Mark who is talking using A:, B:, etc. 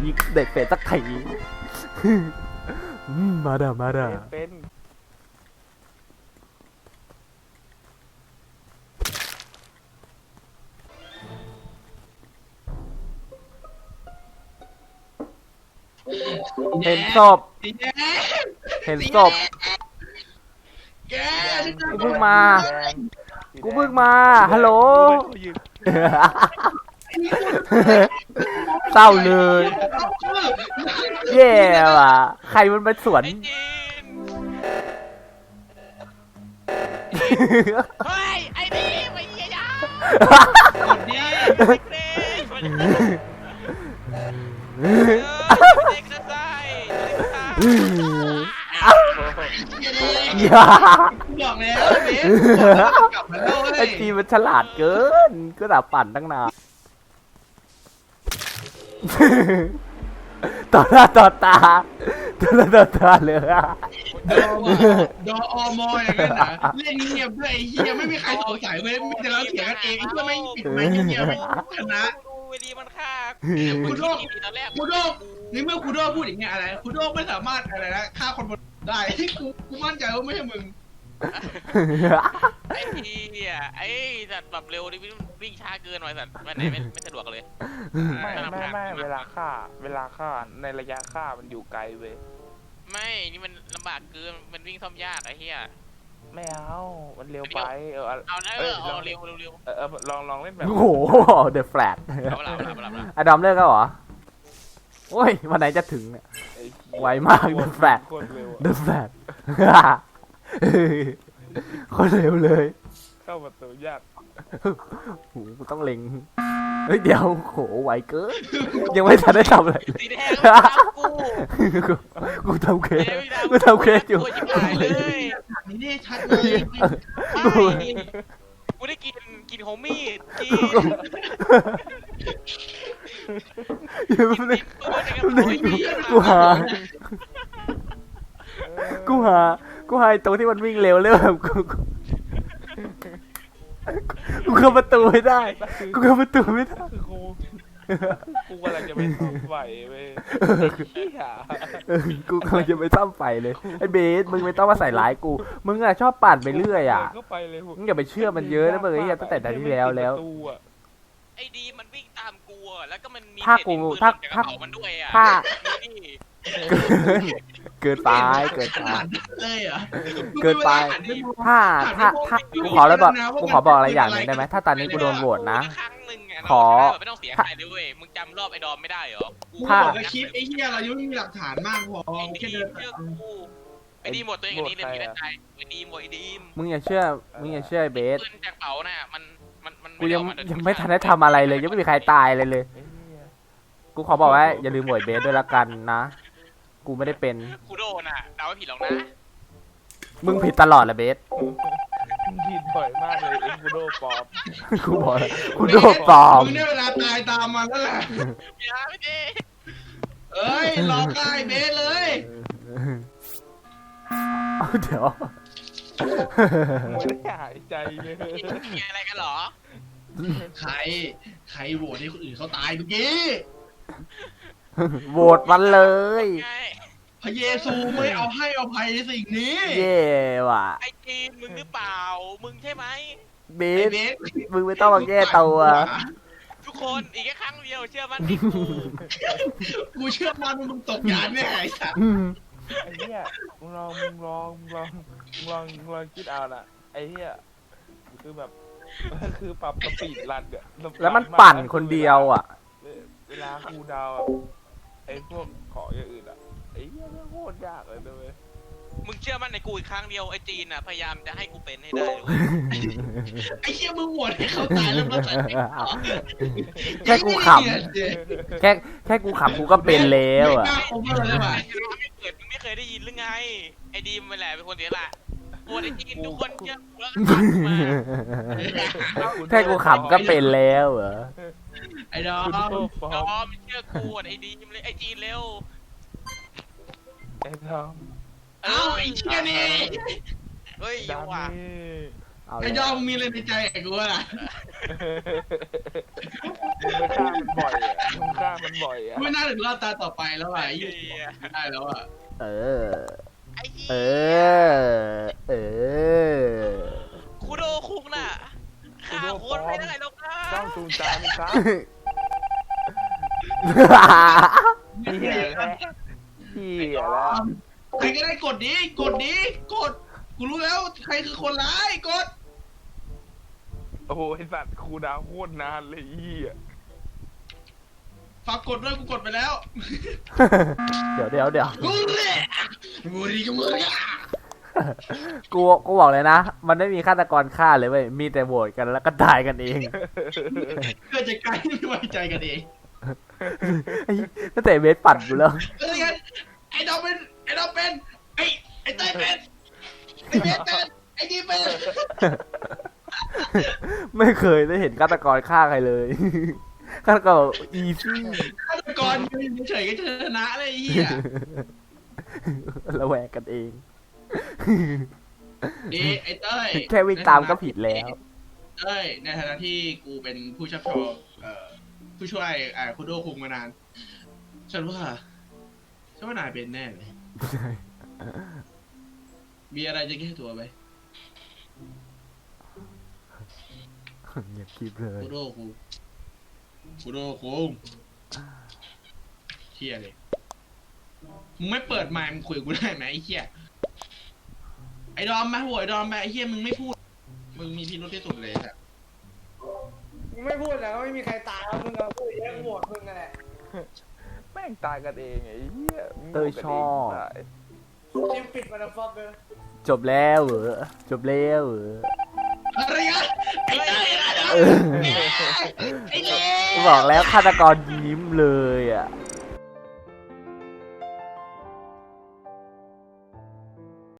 A: ยิงเด็กเป็ดสักทีมาด่ามาด่า
B: เป็น
A: เห็นศพเห็นศพกูเพิ่งมาฮัลโหลเศร้าเลยแย่ว่ะใครมันมาสวน
C: เฮ้ยไอ้นี่ไม่เหี้ยยาเด็กจะใส่
D: อย่าบอกแล้วเบสกลับมาโลก
A: ไอ้จีมันฉลาดเกินก็ด่าปั่นตั้งนานต่อหน้าต่อตาเลยอะ
D: ดออมออย่างนั้นนะเล่นเงียบด้วยไอ้เหี้ยไม่มีใครสงสัยเว้ยมีแต่เราเถียงกันเองเพื่อไม่ปิดไม่เงียบไม่ชนะ
C: ดูเวดีมันฆ่า
D: คูโดนี่เมื่อคูโดพูดอย่างเงี้ยอะไรคูโดไม่สามารถอะไรนะฆ่าคนบนได้กูมั่นใจว่าไม่ใช่มึง
C: ไอ้เหี้ยไอ้สัตว์แบบเร็วดิวิ่งช้าเกินหน่อยสัตว์ไม่สะดวกเลย
B: ไม่เวลาฆ่าในระยะฆ่ามันอยู่ไกลเว้ย
C: ไม่นี่มันลำบากเกินมันวิ่งซ่อมยากไอ้เหี้ย
B: ไม่เอามันเร็วไป
C: เอาเร็ว
B: ลองเล่นแบบ
A: โอ้โหเดอะแฟลตอดัมเลิกแล้วเหรอโอ้ยวันไหนจะถึงเนี่ยไวมากเดอะแฟลตคนเร็วเลย
B: เข้าประตูยาก
A: โหต้องเล็งเฮ้ยเดี๋ยวโหไวเกินยังไม่ทันได้ทำอะไร
C: สีแดง
A: กูทำเคสอยู่
D: นี่ชัดเลย
C: กูได้กินโฮมี่
A: กูหาตรงที่มันวิ่งเร็วเลยแบบกูเข้าประตูไม่ได้กูกำลัง
B: จะไปซ่อมไฟเว้ย
A: กูกำลังจะไปซ่อมไฟเลยไอ้เบสมึงไม่ต้องมาใส่ร้ายกูมึงอะชอบปั่นไปเรื่อยอะมึงอย่าไปเชื่อมันเยอะนะมึงไอ้เหี้ยตั้งแต่ตอนที่แล้ว
C: ไอ้ดีมันวิ่งตามกูแล้วก็มันมี
A: ถ้า
C: มันด้วย
A: เกินไป
D: เลยอ่ะ
A: เกินไปถ้ากูขอบอกอะไรอย่างหนึ่งได้ไหมถ้าตอนนี้กูโดนโหวตนะขอ
C: ไม่ต้องเสียใครเลยเว้ยมึงจำรอบไอ้ดอมไม่ได้เหรอ
D: ถ้าคลิปไอ้เหี้ยเรายังไม่มีหลักฐานมากพอแค่เดิน
C: ไอ้ดีหมดตัวเองนี้เลยมีได้ใจไอ้ดีหมดไอ้ดี
A: มึงอย่าเชื่อไอ้เบส
C: จากเป๋าน่ะมัน
A: กูยังไม่ทันได้ทำอะไรเลยยังไม่มีใครตายเลยกูขอบอกไว้อย่าลืมโหวตเบสด้วยละกันนะกูไม่ได้เป็น
C: กูโดนอ่ะเดาไม่ผิดหรอกนะ
A: มึงผิดตลอดแหละเบส
B: ผิดบ่อยมากเลยกูโดปลอม
A: กูบอกกูโดปลอม
D: มึงได้เวลาตายตามมาแล้วแหละ
C: อย่าไม่ดี
D: เอ้ยรอใกล้เบสเลย
A: เดี๋ยว
B: ไม่ได้หายใจเลย
C: มีอะไรกันหรอ
D: ใครโหวตให้คนอื่นเขาตายเมื่อกี้
A: โหวตมันเลย
D: พระเยซูไม่เอาให้อภัยในสิ่งนี้
A: เย่ว่ะ
C: ไอ้จีนมึงหรือเปล่ามึงใช่ไหม
A: เบสมึงไม่ต้องมาแก้ตัว
C: ทุกคนอีกแค่ครั้งเดียวเชื่อมัน
D: กูเชื่อมันมึงตกยานแน่ไอ้สัส
B: ไอ้เหี้ยมึงลองคิดเอาน่ะไอ้เหี้ยคือปรับสปีดรันเนี่ย
A: แล้วมันปั่นคนเดียวอ่ะ
B: เวลาคูดาวไอ้พวกขออย่างอื่นอ่ะไอ้เหี้ยโคตรยากเลยด้วย
C: มึงเชื่อมันในกูอีกครั้งเดียวไอ้จีนอ่ะพยายามจะให้กูเป็นให้ได้
D: ไอ้เหี้ยมึงโหวตให้เขาตายแล้วมาใส่
A: แค่กูขำแค่กูขำกูก็เป็นแล้วอ่ะ
C: ไม่เคยได้ยินหรือไงไอ้ดีมมันแหละเป็นคนเสียละโอ้ยจีนทุกคนเชื่อกูแล้ว
A: แค่กูขำก็เป็นแล้วเหรอ
D: ไอ้ดอม
C: เชื่อกูไอ้ดีมเลยไอ้จีนเร็ว
B: ไอ้ดอม
D: ไอ้เชี่ยนี่
C: เฮ้ยยังว่ะ
A: เอา
D: ไอ้ยอมมีอะไรในใจไอ้กูอะ
B: มึงไปฆ่ามันบ่อยอ่ะมึงฆ่ามันบ่อยอ่ะ
D: ไม่น่าถึงรอบตาต่อไปแล้วอ่ะไอ้ยี่ได้แล้วอ่ะ
A: เออ
C: ไอ้เหี้
A: เอย อ เออ
C: คุโดคุงน่ะฆ่าคนไม่ได้หรอกนะ
B: เจ้าจูงใจมึงครับเหี้ยแล้วเหี้ยแล้ว
D: ใครก็ได้กดดิกดกูรู้แล้วใครคือคนร้ายกด
B: โอ้โหไอสัตว์ครูดาวโคตรนานเลยเหี้ย
D: ฝากกดด้วยกูกดไปแล้ว
A: เดี๋ยว
D: กูเลยกูดีกับมึงอ่ะ
A: กูบอกเลยนะ มันไม่มีฆาตกรฆ่าเลยเว้ย มีแต่โหวตกันแล้วก็ตายกันเอง
D: เกิดจากการไม่ไว้ใจกันเอง
A: ตั้งแต่เบสปัดกูแล้ว
D: เอ้ยงั้นไอ้ดอมเป็นไอ้เต้ยเป็นไอ้เบสเป็นไอ้ดีเป็น
A: ไม่เคยได้เห็นฆาตกรฆ่าใครเลย ฆาตกรอีซี่
D: ฆาตกรยืนเฉยๆก็ชนะเลยไอ้เหี้ย
A: ระแวงกันเอง
D: ดีไอ้เต้ย
A: แค่วิ่งตามก็ผิดแล้ว
D: เต้ยในฐานะที่กูเป็นผู้ชักชวนผู้ช่วยคุโดคุงมานาน ฉันว่านายเป็นแน่เลย มีอะไรจะแก้ตัวไหม
A: อย่าคิดเลย
D: คุโดคุงเฮียเลยมึงไม่เปิดไมค์มึงคุยกับกูได้ไหมไอ้เฮียไอ้ดอมมาโหวยดอมมาไอ้เฮียมึงไม่พูดมึงมีพิรุธที่สุดเลยอะ
E: มึงไม่พูดแล้วไม่มีใครตายแล้วมึงเอาพูดเยอะโหวตมึงนั่นแหละ
B: แม่งตายกันเองไอ้เหี้ยมึง
A: เต้ยชอบ
B: ตาย
E: ทีมปิดมาแล้วฟอกเลย
A: จบแล้วเหรอจบแล้วเหรอ
D: อะไรกันไอ้เต้ยนะ
A: เออ
D: ไอ้เล่
A: บอกแล้วฆาตกรยิ้มเลยอ่ะ